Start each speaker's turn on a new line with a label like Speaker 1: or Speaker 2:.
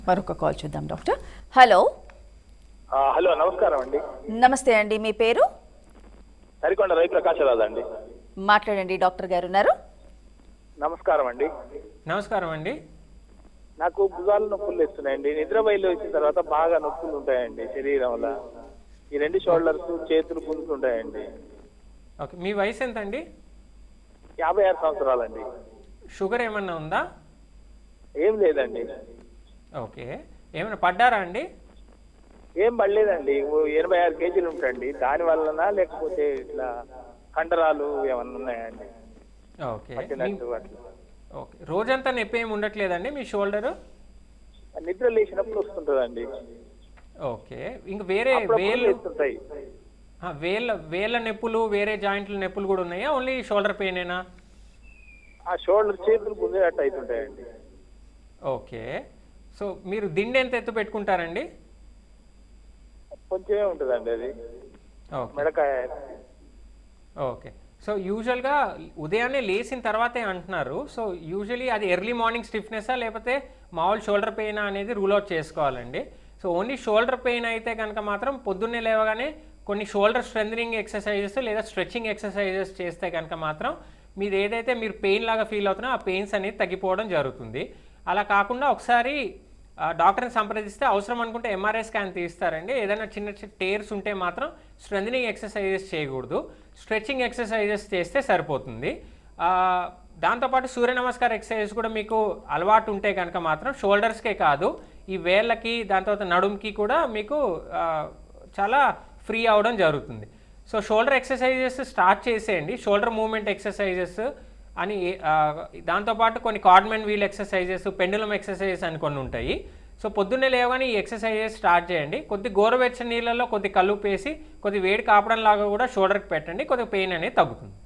Speaker 1: మరొక కాల్ చూద్దాం doctor. Hello.
Speaker 2: Hello, నమస్కారం అండి.
Speaker 1: నమస్తే అండి, మీ పేరు?
Speaker 2: సరికొండ రవిప్రకాశరాజు అండి.
Speaker 1: మాట్లాడండి, డాక్టర్ గారు ఉన్నారు.
Speaker 2: నమస్కారం అండి.
Speaker 3: నమస్కారం అండి.
Speaker 2: నాకు భుజాలు నొప్పులు ఇస్తున్నాయండి. నిద్ర బయలు వచ్చిన తర్వాత బాగా నొప్పులు ఉంటాయండి శరీరంలో. ఈ రెండు షోల్డర్స్, చేతులు గుంజుతుంటాయండి.
Speaker 3: ఓకే, మీ వయసు ఎంత అండి?
Speaker 2: 56 సంవత్సరాలండి.
Speaker 3: షుగర్ ఏమన్నా ఉందా?
Speaker 2: ఏం లేదండి.
Speaker 3: ఓకే, ఏమైనా పడ్డారా అండి?
Speaker 2: ఏం పడలేదండి. 86 కేజీలు ఉంటాయండి. దాని వలన లేకపోతే ఇట్లా కండరాలు ఏమన్నా ఉన్నాయండి?
Speaker 3: ఓకే ఓకే, రోజంతా నొప్పి ఏమి ఉండట్లేదండి మీ షోల్డరు?
Speaker 2: నిద్ర లేచినప్పుడు వస్తుంటుందండి.
Speaker 3: ఓకే, ఇంక వేరే వేళ్ళ నొప్పులు, వేరే జాయింట్ల నొప్పులు కూడా ఉన్నాయా? Only shoulder పెయినేనా?
Speaker 2: ఆ షోల్డర్, చేతులు గుంజేటట్టు అవుతుంటాయండి.
Speaker 3: ఓకే, సో మీరు దిండు ఎంత ఎత్తు పెట్టుకుంటారండి?
Speaker 2: కొంచెమే ఉంటుందండి అది.
Speaker 3: ఓకే
Speaker 2: మెడకాయ.
Speaker 3: ఓకే, సో యూజువల్గా ఉదయాన్నే లేచిన తర్వాతే అంటున్నారు. సో యూజువలీ అది ఎర్లీ మార్నింగ్ స్టిఫ్నెస్సా లేకపోతే మామూలు షోల్డర్ పెయిన్ అనేది రూల్ అవుట్ చేసుకోవాలండి. సో ఓన్లీ షోల్డర్ పెయిన్ అయితే కనుక మాత్రం పొద్దున్నే లేవగానే కొన్ని షోల్డర్ స్ట్రెంథనింగ్ ఎక్సర్సైజెస్ లేదా స్ట్రెచ్చింగ్ ఎక్సర్సైజెస్ చేస్తే కనుక మాత్రం మీరు ఏదైతే మీరు పెయిన్ లాగా ఫీల్ అవుతున్నా ఆ పెయిన్స్ అనేది తగ్గిపోవడం జరుగుతుంది. అలా కాకుండా ఒకసారి డాక్టర్ని సంప్రదిస్తే అవసరం అనుకుంటే ఎంఆర్ఐ స్కాన్ తీస్తారండి. ఏదైనా చిన్న చిన్న టేర్స్ ఉంటే మాత్రం స్ట్రెంథనింగ్ ఎక్సర్సైజెస్ చేయకూడదు, స్ట్రెచ్చింగ్ ఎక్సర్సైజెస్ చేస్తే సరిపోతుంది. దాంతోపాటు సూర్య నమస్కార ఎక్సర్సైజెస్ కూడా మీకు అలవాటు ఉంటే కనుక మాత్రం షోల్డర్స్కే కాదు ఈ వేళ్ళకి, దాని తర్వాత నడుముకి కూడా మీకు చాలా ఫ్రీ అవ్వడం జరుగుతుంది. సో షోల్డర్ ఎక్సర్సైజెస్ స్టార్ట్ చేసేయండి, షోల్డర్ మూవ్మెంట్ ఎక్సర్సైజెస్ అని. దాంతోపాటు కొన్ని codman wheel exercises, pendulum exercises అని కొన్ని ఉంటాయి. సో పొద్దున్నే లేవగానే ఈ ఎక్సర్సైజెస్ స్టార్ట్ చేయండి. కొద్ది గోరువెచ్చని నీళ్ళలో కొద్ది కల్లుపు వేసి కొద్ది వేడి కాపడం లాగా కూడా షోల్డర్కి పెట్టండి, కొద్దిగా పెయిన్ అనేది తగ్గుతుంది.